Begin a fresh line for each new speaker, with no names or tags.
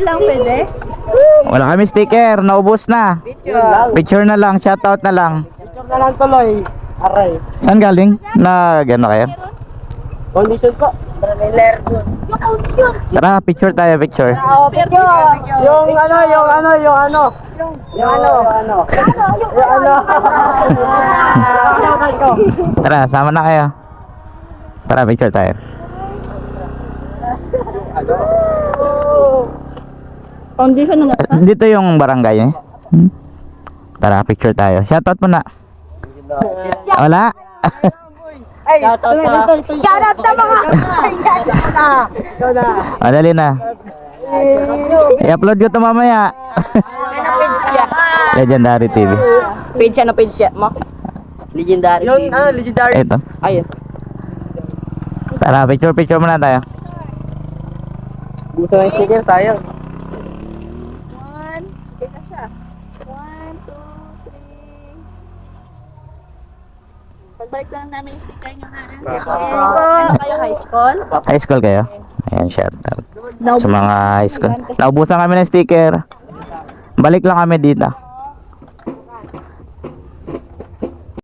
lang pwede?
Wala kami sticker, naubos na. Picture na lang, shoutout na lang.
Picture na lang tuloy. Aray.
Saan galing? Gano kayo?
Condition po.
Tara, picture tayo, picture.
Yung ano.
Tara, sama na kayo. Tara, picture tayo.
Condition na nga.
Dito yung barangay eh. Tara, picture tayo. Shoutout mo na. Wala?
Shoutout sa mga
Madali na. I-upload ko to mamaya. Legendary TV.
Page siya na page siya mo. Legendary.
Yun, legendary.
Ito.
Ayun.
Tara, picture muna tayo.
Gusto ng sticker, sayang.
1, dito siya. 1, 2, 3. Pagbalik lang namin yung sticker nyo ha. Ano kayo, high school?
High school kayo? Ayan, shoutout. Sa mga high school. Naubusan kami ng sticker. Balik lang kami dito.